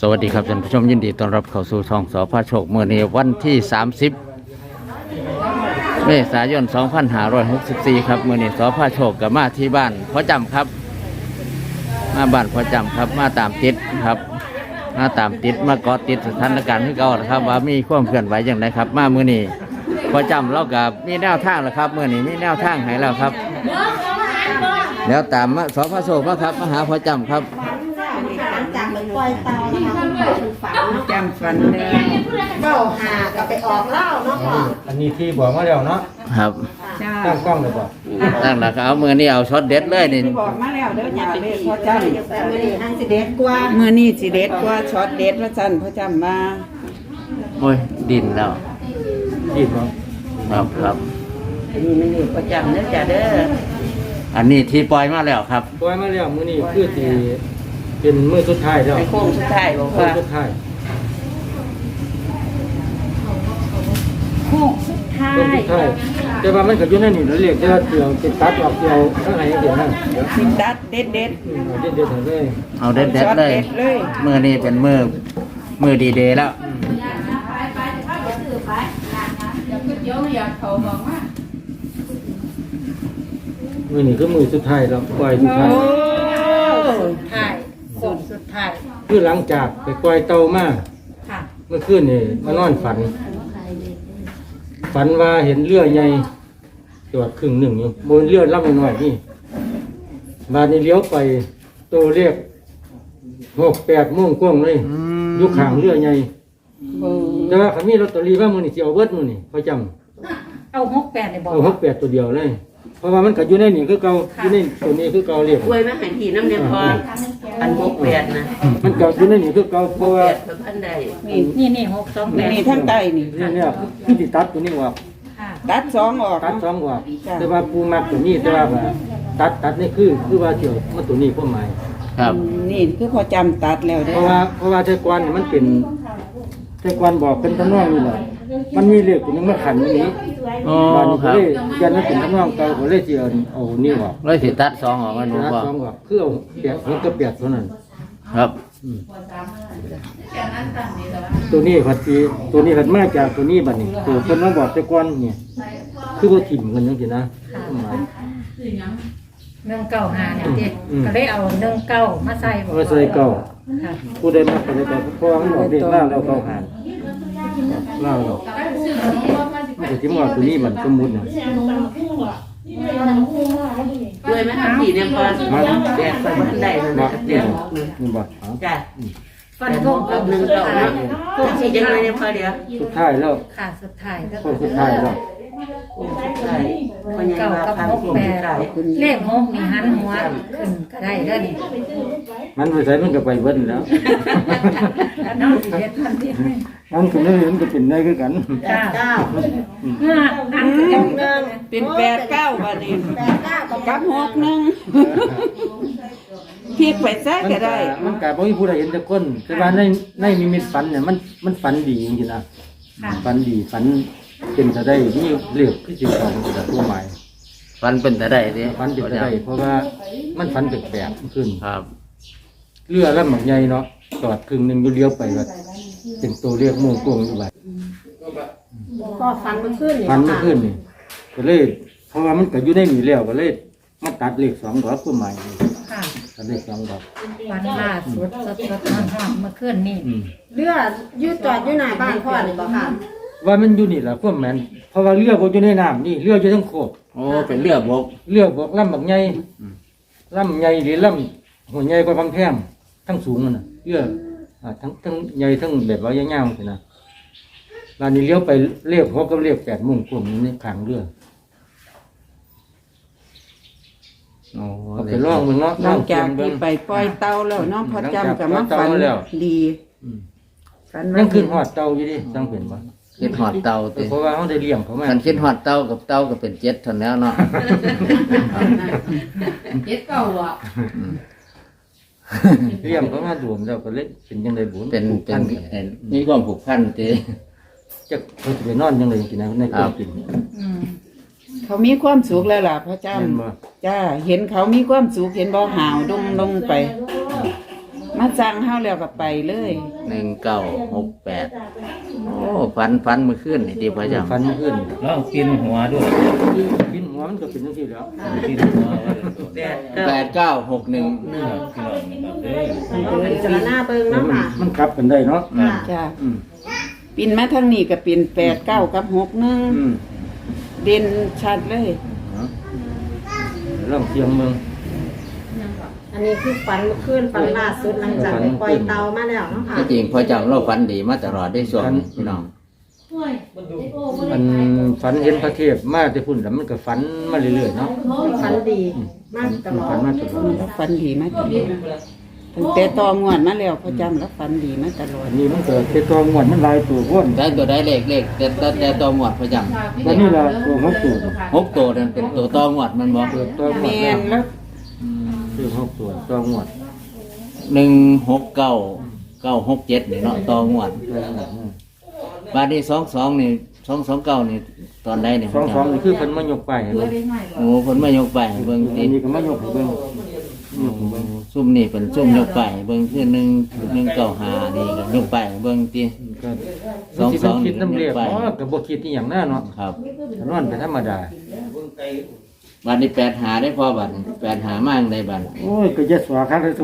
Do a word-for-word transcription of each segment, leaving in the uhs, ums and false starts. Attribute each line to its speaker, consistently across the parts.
Speaker 1: สวัสดีครับท่านผู้ชมยินดีต้อนรับเข้าสู่ช่องสพโชคเมื่อนี้วันที่สามสิบเมษายนสองพันห้าร้อยหกสิบสี่ครับเมื่อนี้สพโชคกับมาที่บ้านพ่อจำครับมาบ้านพ่อจำครับมาตามติดครับมาตามติดมาเกาะติดสถานการณ์ที่เก่าครับว่ามีความเคลื่อนไหวอย่างไรครับมาเมื่อนี้พ่อจำเรากับมีแนวทางแล้วครับเมื่อนี้มีแนวทางให้แล้วครับแล้วตามมาสพโชคมาครับมาหาพ่อจำครับ
Speaker 2: จากไปปล่อยเตานะคะฝันจำฝันเลยเบ้าหากับไปออกเล่าเนาะพ่อ
Speaker 3: อันนี้ที่บอกมาแล้วเนาะ
Speaker 1: ครับ
Speaker 3: ตั้งกล้องเลยบ่
Speaker 1: ตั้งหลักเอามือนี่เอาช็อตเด็ดเลยนี่
Speaker 2: บอกมาแล้วเด้ออย่าเลยพ่อจำแต่มือนี่ทางสิเด็ดกว่ามือนี่สิเด็ดกว่าช็อตเด็ดพระจันทร์พ่อจำมา
Speaker 1: โอ้ยดินแล้ว
Speaker 3: ดินเนาะ
Speaker 1: ครับครับ
Speaker 2: อันนี้มันนี่พ่อจำเด้อจ้าเด้อ
Speaker 1: อันนี้ที่ปล่อยมาแล้วครับ
Speaker 3: ปล่อยมาแล้วมื้อนี้คือสิเป็นมื้อสุดท้ายแล้ว
Speaker 2: โค้งสุดท้ายบอกว่า
Speaker 3: โค้งสุดท้าย
Speaker 2: โค้งสุดท้าย
Speaker 3: โค้งสุดท้ายแต่ว่ามันก็อยู่ในนี่เราเรียกว่าเดียวติดตัดออกเดียวทั้งไหนเดียวนั่น
Speaker 2: ติดตัดเด็ดเด็ด
Speaker 3: เด็ดเด็ดเลย
Speaker 1: เอาเด็ดเด็ดเลยมือนี่เป็นมือมือดีเดย์แล้ว
Speaker 3: มื้อนี้คือมื้อสุดท้ายแล้วปล่อยสุดท้าย
Speaker 2: สุดท้ายสุดสุดท้าย
Speaker 3: คือหลังจากไปปล่อยเตามาเมื่อคืนนี่มานอนฝันฝันว่าเห็นเรือใหญ่จอดครึ่งหนึ่งอยู่บนเรือลำน้อยนี่บาดนี้เลี้ยวไปตัวเรียกหกแปดโมงกว้างเลยอยู่ข้างเรือใหญ่แต่ว่าเขามีลอตเตอรี่ว่ามือนี่จะเอาเบิดมือนี่เขาจ
Speaker 2: ำเอาหกแปดเลยบอก
Speaker 3: เอาหกแปดตัวเดียวเลยเพราะว่ามันก็อยู่ในนี่คือเก่าอยู่ในตัวนี้คือเก่าเรียก
Speaker 2: อวยมาหันทีน้ำเนี่ยพออันหกแปดนะ
Speaker 3: มันก็อยู่ในนี่คือเก่าเพราะว่า
Speaker 2: นี่นี่นี่หกสองแปดนี่ทั้งใต้นี่
Speaker 3: เนี่ยที่ติดตัดตัวนี้ออก
Speaker 2: ตัดสองออก
Speaker 3: ตัดสองออกแต่ว่าปูมักตัวนี้แต่ว่าตัดตัดนี่คือคือว่าเที่ยวมันตัวนี้พวกหมาย
Speaker 1: ครับ
Speaker 2: นี่คือพอจำตัดแล้ว
Speaker 3: เพราะว่าเพราะว่าเทกวนมันเป็นเทกวนบอกเป็นทำนองนี่แหละมันมีเลขตัวนึงมาขันนี้
Speaker 1: อ๋อครับ
Speaker 3: ยันนั้นเป็นทำนองเก่าเขาเลยจีเอานี่ออก
Speaker 1: เลยสิตัดสองออกมาหนู
Speaker 3: บอกตัดสองออกคือเอาเปียกหัวกระเปียกเท่านั้น
Speaker 1: ครับ
Speaker 3: ตัวนี้ขัดจีตัวนี้ขัดมาจากตัวนี้บัดนี้ตัวคนมาบอกเทกวนเนี่ยคือว่าถิ่มกันยังสินะหมาย
Speaker 4: เรื่องเก่าหาเนี่ยเด็กก็ได้เอาเรื่องเก่ามาใส่
Speaker 3: มาใส่เก่าผู้ใดมาคนใดแต่เพราะว่ามันออกเรียกล่าแล้วเก่าหานล่าเรามันจะทิ้งว่าตัวนี้มันสมมุติเนี่ย
Speaker 2: ด้วยไหมครับพี่เนี่ยพอมาแดดใส่บันไดนะ
Speaker 3: เดี๋ยวนี่บอก
Speaker 2: จ้ะฟันโค้งกับหนึ่งเก่าโค้งสียังไงเนี่ยพอเดี๋ยว
Speaker 3: สุดท้ายแล้ว
Speaker 4: ค่ะสุดท้าย
Speaker 3: ก็สุดท้ายแล้ว
Speaker 4: เก่ากับหกแปดเลขหกนี่หันหัวขึ้นก็ได้แล้วนี่
Speaker 3: มันไปใส่มันก็ไปเบิ้ลแล้ว
Speaker 4: น้องสิเฮ็ดทันที
Speaker 3: มันก็ได้มันก็เป็นได้คือกัน
Speaker 2: เก้า
Speaker 4: อันก็เป็น
Speaker 2: เป็นแปดเก้าวันนี้แปดเก้ากับหกหนึ่งพลิกไปซะก็ได้
Speaker 3: มันกลายเป็นผู้ใดเห็นแต่คนแต่ว่าในในนิมิตฝันเนี่ยมันมันฝันดีจริงๆนะฝันดีฝันเป็นจะได้นี่เรียกที่จริงของตัวใหม่
Speaker 1: ฟันเป็นแต่ได้ดิ
Speaker 3: ฟันเป็นแต่ได้เพราะว่ามันฟันแปลกๆขึ้น
Speaker 1: ครับ
Speaker 3: เรือแล้วหมักใหญ่เนาะจอดครึ่งหนึ่งเลี้ยวไปแบบเป็นตัวเรียกม่วงกวงอยู่แบบ
Speaker 2: ก็ฟันมันขึ้น
Speaker 3: ฟันมันขึ้นนี่ก็เลยเพราะว่ามันก็อยู่ในนี่แล้วก็เลยมาตัดเลขสองดอกตัวใหม่ตัดเลขสองดอก
Speaker 4: วันล่าสุดสดสดหอมเมื่อคืนนี่
Speaker 2: เรือยืดจอดอยู่หน้าบ้านพ่อเลยบ่ค่ะ
Speaker 3: ว่ามันอยู่นี่แหละพวกแมนเพราะว่าเรือบกอยู่ในน้ำนี่เรืออยู่ทั้งโคก
Speaker 1: โอ้เป็นเรือบก
Speaker 3: เรือบกลำแบบใหญ่ลำใหญ่หรือลำหัวใหญ่กว่าบางแพมทั้งสูงมันน่ะเรือทั้งทั้งใหญ่ทั้งแบบว่ายาวๆสินะร้านนี้เลี้ยวไปเรียกหกก็เรียกแปดมุ่งกลุ่มนี้ขางเรือ
Speaker 1: โอ้
Speaker 3: ไปล่องมึงเนาะ
Speaker 2: นอกจากที่ไปปล่อยเตาแล้วน้องพอจำกับมาฝันดี
Speaker 3: ยังขึ้นหอดเตาอยู่ดิจังเห็นบ่
Speaker 1: คิดหอดเตา
Speaker 3: เพราะว่าเขาได้เลี้ยงเขามา
Speaker 1: คันคิดหอดเตากับเตาก็เป็นเจ็ดเท่านั้นเนาะ
Speaker 4: เจ็ดเก่าอ่ะ
Speaker 3: เลี้ยงเขามาด่วนแล้วก็เล่นเป็นยังไงบุญ
Speaker 1: เป็นเป็นมีความผูกพันเต้
Speaker 3: จะเขาจะไปนอนยังไงกินนะในความกิน
Speaker 2: เขามีความสุขแล้วล่ะพระเจ้าจ้าเห็นเขามีความสุขเห็นบ่หาวดงลงไปม
Speaker 5: มาสั่งเฮาแล้วก็ไปเลย
Speaker 1: หนึ่งเก้าหกแปดโอ้ฟันฟันมือขึ้นนี่ดีพอจำ
Speaker 3: ฟันขึ้น
Speaker 6: ลองปีนหัวด้วย
Speaker 3: กินหัวมันก็เป็นจังซี่แล้ว
Speaker 6: ปีนหัวว่าเด้อ
Speaker 1: แปดเก้าหกหนึ่ง
Speaker 6: พี่น้องนะครับเด้อ
Speaker 2: ต้องพิจารณาเบิ่ง
Speaker 3: มัน
Speaker 2: เนาะค่ะ
Speaker 3: มันกลับกันได้เนาะ
Speaker 2: ค่ะ
Speaker 5: จ้ะ
Speaker 3: อืม
Speaker 5: ปินมาทางนี้ก็ปินแปดเก้ากับหกหนึ่ง
Speaker 3: อืม
Speaker 5: เด่นชัดเลย
Speaker 3: ลองเสียงเมือง
Speaker 2: อันนี้คือฝันเมื่อคืนฝันล่าสุดหลังจากไปปล่อยเตามาแล้วเนาะค่ะ
Speaker 1: ที่จริงพอจำเราฟันดีมาตลอดได้ส่วนนี้พี่น้อง
Speaker 3: มันฝันเห็นพระเทพมาแต่พุ่นแล้วมันก็ฝันมาเรื่อยๆเนาะ
Speaker 2: ฝันดีมากตลอ
Speaker 3: ฝั
Speaker 2: ด
Speaker 3: นมาตลอด
Speaker 5: แล้วฝันดีมาตลอดตั้งแต่ตองวดมาแล้วพอจำแล้วฝันดีมาตลอด
Speaker 3: อันนี้มันเกิดเป็นตัวงวดมันหลายตัวพ้น
Speaker 1: ได้ตัวได้เลขเลขแต่แต่แต่ตัวหมวดพอจำ
Speaker 3: แล้วนี่ล่ะตัวหกตัว
Speaker 1: หกตัวนั่นเป็นตัวตัวหมวดมันบอก
Speaker 3: ตัวตัวง
Speaker 5: แม
Speaker 3: วด
Speaker 5: นแล้ว
Speaker 3: คือหกตัวตัวงวด
Speaker 1: หนึ่งหกเก้าเก้าหกเจ็ดนี่เนาะตัวหมวดบาทนี้สองสองนี่สองสองเก้านี่ตอนใดเนี่ย
Speaker 3: สองสองนี่คือเพิ่นมายกไปให้เบิ่ง
Speaker 1: โอ้ผลมายกไปให้เบิ่ง
Speaker 3: อั
Speaker 1: ติ
Speaker 3: นนี้ก็มายกให้เบิ่งยกให้เบิ่ง
Speaker 1: ซุ่มนี่เป็นซุ่มยกไปให้เบิ่งคือหนึ่งหนึ่งเก้าหานี่ก็ยกไปให้เบิ่งติ
Speaker 3: ก็
Speaker 1: สองสอง
Speaker 3: คิดน้ำเรียก
Speaker 1: ไป
Speaker 3: อ๋อก็บ่คิดอีหยังแน่เนาะ
Speaker 1: ครับ
Speaker 3: นอนเป็นธรรมดา
Speaker 1: บาทนี้แปดหาได้พอบาทนี้แปดหามากได้บาท
Speaker 3: โอ้ยก็จะสวาคักเลยตัว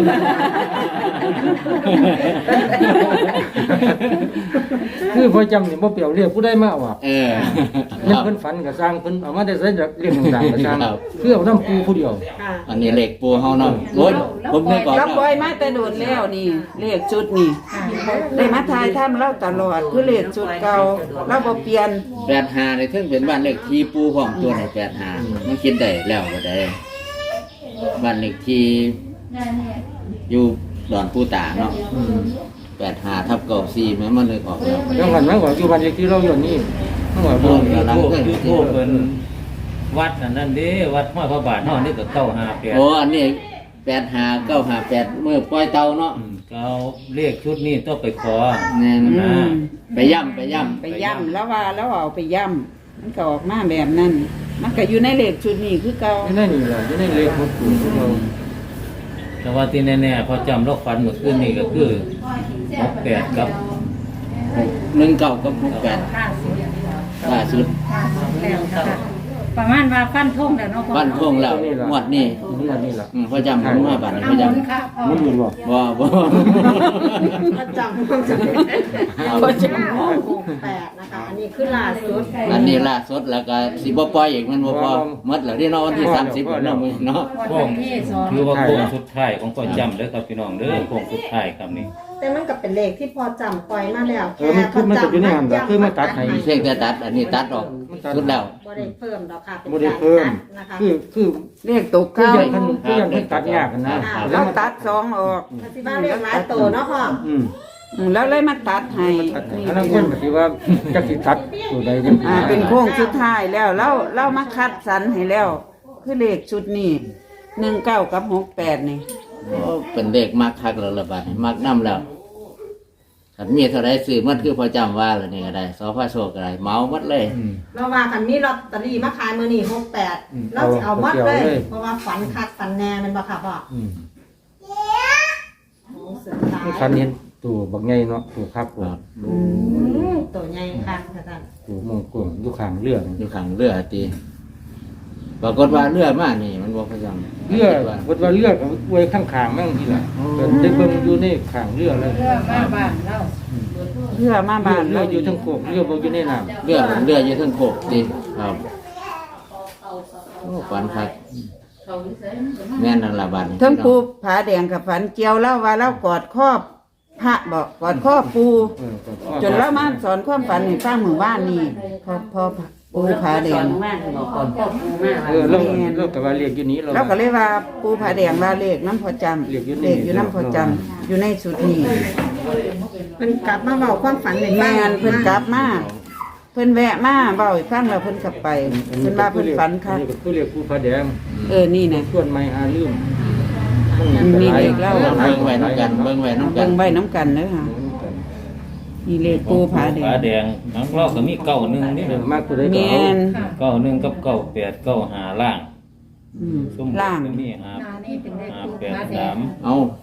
Speaker 3: คือพอจำนี่บ่เปรียวเรียกผู้ใดมาเอาอ่ะ
Speaker 1: เออค
Speaker 3: เพิ่น
Speaker 1: รับ
Speaker 3: เพิ่นฝันก็สร้างเพิ่นเอามาได้ใส่จากเรียกต่างๆก็สร้าง
Speaker 1: ครับ
Speaker 3: คือเอาน้ำปูผู้เดียว
Speaker 2: ค่ะ
Speaker 1: อันนี้เหล็กปูเฮาเนาะโอ้ยผมนึกก่อน
Speaker 5: เรา
Speaker 1: นะ
Speaker 5: ปล่อยมาแต่โดนแล้วนี่เลขชุดนี่ได้มาทายถ้ำเราตลอดคือเลขชุดเก่าเราบ่เปลี่ยน
Speaker 1: แปดหาในเทิงเป็นบ้านเลขที่ปูห้องตัวไหนแปดหามันคิดได้แล้วก็ได้บ้านเลขที่อยู่ดอนปูตาเนาะแปดหาทับเก้าสี่แม้มันเลยออกแล้ว
Speaker 3: จังหวัดมันว่าอยู่บ้านเลขที่เราอยู่นี่มันว่า
Speaker 6: โอ้
Speaker 3: บ่
Speaker 6: ยยูทูบยูทูบเป็นวัดอันนั้นเด้วัดห้อยพระบาทเฮานี่ก็เก้าห้าแปด
Speaker 1: โอ้อันนี้แปดหาเก้าหาแปดเมื่อปล่อยเตาเนาะ
Speaker 6: อืมก็เอาเลขชุดนี้ต้องไปขอ
Speaker 1: แน่น
Speaker 5: อืม
Speaker 1: ไปย่ำไปย่
Speaker 5: ไปย่ำแล้วว่าแล้วเอาไปย่ำมันก็ออกมาแบบนั้น มันก็อยู่ในเลขชุดนี้คือเก่า
Speaker 3: อยู่ในนี่แหละอยู่ในเลขหกตัวของเรา
Speaker 6: แต่ว่าที่แน่ๆพอจำเราฝันเมื่อคืนนี้ก็คือหกแปดกับ
Speaker 1: ำหนึ่งเก้ากับหกแปดล่าสุด
Speaker 4: แล้วค่ะประมาณว่าฟันทงแล้วเนาะพ่อ
Speaker 1: บ้านท่วงแล้วงวดนี้
Speaker 3: งวดนี้ล่ะ
Speaker 1: อืมพอจำผมมาบ้านนี้พอ
Speaker 4: เอา
Speaker 1: จ
Speaker 4: หมุนค่ะพ่อ
Speaker 3: มันอยู่บ่
Speaker 1: ำบ่บ่
Speaker 2: ประจำความจำประจำหกแปดนะคะ อันนี้คือล่าสุด
Speaker 1: อันนี้ล่าสุดแล้วก็สิบ่ปล่อยอีกมันบ่พอหมดแล้วที่เนาะวันที่สามสิบเนาะมื้อเนาะ
Speaker 6: โค้งถือว่าโค้งสุดท้ายของพ่อจำเด้อครับพี่น้องเด้อโค้งสุดท้ายครับนี่
Speaker 2: แต่มันก็เป็นเลขที่พอจำปล่อยมาแล้ว
Speaker 3: เออมันคือมันก็อยู่ในหันก็คือมาตัดให้
Speaker 1: เพียงแต่ตัด อันนี้ตัดออกสุดแล้ว
Speaker 2: บ่ได้เพิ่มดอกค่ะเป็น
Speaker 3: บ่ได้
Speaker 2: การ
Speaker 3: เพิ่ม
Speaker 2: ตัดนะคะ
Speaker 3: คือคือ
Speaker 5: เลขตก
Speaker 3: คือ
Speaker 5: เก้า
Speaker 3: ยังเพิ่นคือยังเพิ่นตัดยากกันนะ
Speaker 5: เราตัดสองออก
Speaker 2: ปฏิบัติเรียกหลายโตเนาะพ่อ
Speaker 3: อืม
Speaker 5: อืมแล้วเลยมาตัดให้
Speaker 3: ตัดให้อันนั้นเพิ่นก็สิว่าจักสิตัดตัวใดจัง
Speaker 5: อ่าเป็นโค้งสุดท้ายแล้วเราเรามาคัดสรรให้แล้ว คือเลขชุดนี้หนึ่งเก้ากับหกแปดนี่
Speaker 1: โอ้เป็นเด็กมักคักแล้วละบาดนี้มักนํแล้วคันมีเท่าใดซื้อมันคือพอจำว่าแล้วนี่ก็ได้สพโชคก็ได้เหมาหมดเลย
Speaker 3: อืม
Speaker 2: เราว่ากันมีลอตเตอรี่มาขายมื้อนี้หกแปดเราสิเอาหมดเลย เพราะว่าฝันคักฝันแน่แมันบ่ค่ะพ่อ
Speaker 3: อืม
Speaker 2: โอ้สุดท้าย
Speaker 3: มันคันเห็นตัวบักใหญ่เนาะตัวครับตัว
Speaker 2: อืมตัวใหญ่คักค่ะท่าน
Speaker 3: ตัวมงกลมอยู่ข้างเรือนี่
Speaker 1: อยู่ข้างเรือตีปรากฏว่าเรือมานี่มันบ่พอจำ
Speaker 3: เรือวัดว่าเรือก็ไว้ข้างๆมั่งทีละก็ได้เบิ่งอยู่ในข้างเรือเลย
Speaker 4: เพื่อมาบ้านเรา
Speaker 5: เพื่อมาบ้าน
Speaker 3: เรืออยู่ทั้งโคกเรือบ่อยู่ในน้ำ
Speaker 1: เรือมันเรืออยู่เทั้งโคกตีครับโอ้ฝันคักแม่นนั่นล่ะบาดนี้
Speaker 5: ทั้งปูผาแดงกับฝันเจียวแล้วว่าเรากอดครอบพระบอกกอดครอบปู
Speaker 3: เออก็
Speaker 5: จนเรามาสอนความฝันให้ฟังหมู่บ้านนี่พอพอปูผาแดง
Speaker 3: เออเราเราก็ว่าเรียกอยู่นี้เรา
Speaker 5: เราก็เลยว่าปูผาแดงว่าเลขน้ำพอจำ
Speaker 3: เลขอยู่นี่
Speaker 5: เลขอยู่น้ำพอจำอยู่ในสุดนี้
Speaker 2: มันกลับมาเว้าความฝันใน
Speaker 5: แม่นเพิ่นกลับมาเพิ่นแวะมาเบาให้ฟังแล้วเพิ่นกลับไปเพิ่นว่าเพิ่นฝันค่ะ
Speaker 3: อัก็คือเรียกผู้พระแดง
Speaker 5: เออนี่นะ
Speaker 3: ส่วนไม่หาลืม
Speaker 5: มีเลขเล่า
Speaker 1: เบิ่งไว้น้ำกันเบิ่งไว้น้ำกั
Speaker 5: เบิ่
Speaker 1: น
Speaker 5: งไว้น้ำกันเด้อค่ะนี่เลขปูผาแด
Speaker 6: ผาง แดงนังเราก็มีเก้าหนึ่งนี่
Speaker 3: เออมากตัวใดก็
Speaker 5: แม่
Speaker 3: เอา
Speaker 5: น
Speaker 6: เก้าหนึ่งกับเก้าแปดเก้าหาล่าง
Speaker 5: อืม
Speaker 6: ซุ่ม
Speaker 5: ล่าง
Speaker 6: นี่หา
Speaker 4: นานี่เป็นเลข
Speaker 6: หา
Speaker 4: ปู
Speaker 6: แปด
Speaker 4: ผาแด
Speaker 6: สาง ม
Speaker 1: เอา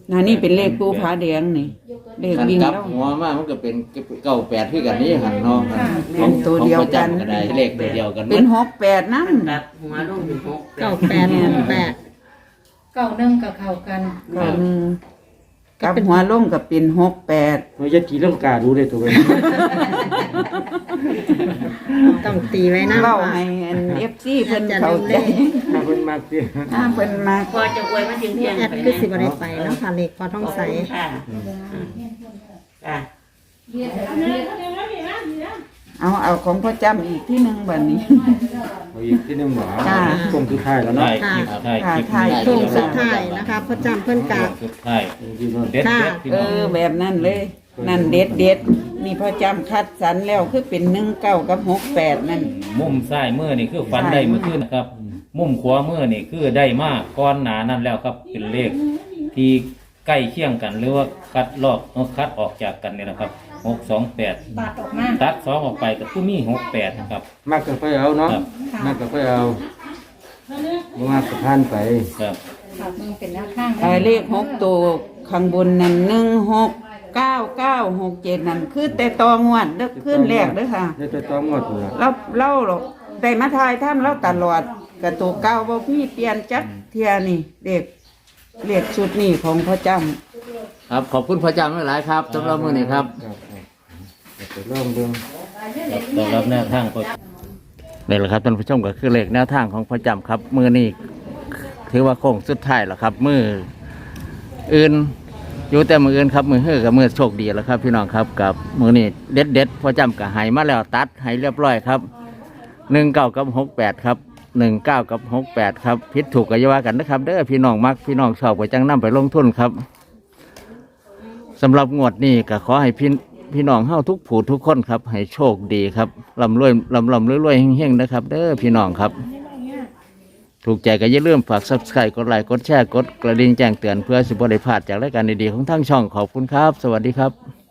Speaker 5: นะนี่เป็นเลขปูผาแดงนี่เลข
Speaker 1: กัน
Speaker 5: วิ่ง
Speaker 1: กลับ
Speaker 5: แล้ว
Speaker 1: หัวมามันก็เป็นเก้าแปดคือกันนี่หันเนาะ
Speaker 5: เป็นตัวเดียวกัน
Speaker 1: ของพ่อจำก็ได้เลขตัวเดียวกัน
Speaker 5: เป็นหกแปดนั่น
Speaker 2: เก้าแปดหกแปด
Speaker 4: เก้าหนึ่งกับเข้ากัน
Speaker 5: ก็หนึ่งกับหัวลงก็เป็นหกแปด
Speaker 3: เราจะกี่เรื่องกาดูเลยตัวเอง
Speaker 2: ต้องตีไว้นะ
Speaker 5: เล่าให้อันเอฟซีเพิ่นเข้าใจ
Speaker 3: ถ้าเพิ่นมากสิ
Speaker 5: ถ้าเพิ่นมา
Speaker 7: พอจะอวยมาถึงเที่ยง
Speaker 2: แอดคือสิบอะไรไปเนาะค่ะเลขพอท้องใส
Speaker 7: ค่ะค่ะ
Speaker 5: เอาเอาของพ่อจำอีกที่หนึ่งบัดนี้
Speaker 3: เอาอีกที่หนึงหมอ
Speaker 5: จ้า
Speaker 3: คงคือท้ายแล้วเนาะ
Speaker 6: ถ่ายคลิปถ่ายคลิป
Speaker 5: ถ่าย
Speaker 2: โค้งสุดท้ายนะคะพ่อจำเพิ่นกะ
Speaker 6: สุดท้าย
Speaker 3: ที่นู่น
Speaker 6: เด็ดเด็ดพี่
Speaker 5: เอ
Speaker 6: น้อง
Speaker 5: อแบบนั้นเลย นั่นเด็ดเด็ดนี่พ่อจำคัดสรรแล้วคือเป็นหนึ่งเก้ากับหกแปดนั่น
Speaker 6: มุมซ้ายมือนี่คือฟันได้เมื่อคืนนะครับ มุมขวามือนี่คือได้มากก้อนหนานั่นแล้วครับเป็นเลขที่ใกล้เคียงกันหรือว่าคัดลอกคัดออกจากกันเนี่ยนะครับหกสองแปด
Speaker 4: ตัดออกมา
Speaker 6: ตัดสองออกไปก็คือมีหกแปดนะครับ
Speaker 3: มากก็ค่อยเอาเนาะ
Speaker 6: ครับ
Speaker 3: มากก็ค่อยเอาบ่มากก็ผ่านไป
Speaker 6: ครับ
Speaker 4: ค่ะมึงเป็นแนวข้าง
Speaker 5: เออเลขหกตัวข้างบนนั่นหนึ่งหกเก้าเก้าหกเจ็ดนั่นคือแต่ตองวดเด้อขึ้นแรกเด้อค่ะ
Speaker 3: เดี๋ยวจะต้องหมดเลย
Speaker 5: เราเล่าหรอกได้มาทายท่ามเราตลอดกระตัวเก้าบ่พี่เปลี่ยนจักเทียนี่เด็กเลขชุดนี่ของพ่อจำ
Speaker 1: ครับขอบคุณพ่อจำหลายๆครับสำหรับมื้อนี้ครับ
Speaker 3: ครับครับไปเริ่มเบิ่ง
Speaker 6: ต้อนรับแนวทางก็
Speaker 1: นี่แหละครับท่านผู้ชมก็คือเลขแนวทางของพ่อจำครับมือนี้ถือว่าโค้งสุดท้ายแล้วครับ มืออื่นอยู่แต่มืออื่นครับมือเฮือกับมือโชคดีแล้วครับ พี่น้องครับกับมือนี้เด็ดเด็ดๆพ่อจำกับหายมาแล้วตัดหายเรียบร้อยครับหนึ่งเก้ากับหกแปดครับหนึ่งเก้ากับหกแปดครับพิษถูกกัยาว่ากันนะครับเด้อพี่น้องมักพี่น้องชอบไปจังนำไปลงทุนครับสำหรับงวดนี้ก็ขอให้พี่พี่น้องเฮาทุกผู้ทุกคนครับให้โชคดีครับลำรวยลำลำรวยรวยเฮงๆนะครับเด้อพี่น้องครับ ถูกใจก็อย่าลืมฝาก ซับสไครบ์ กดไลค์กดแชร์กดกระดิ่งแจ้งเตือนเพื่อสิบบ่ได้พลาดจากรายการดีๆของทางช่องขอบคุณครับ สวัสดีครับ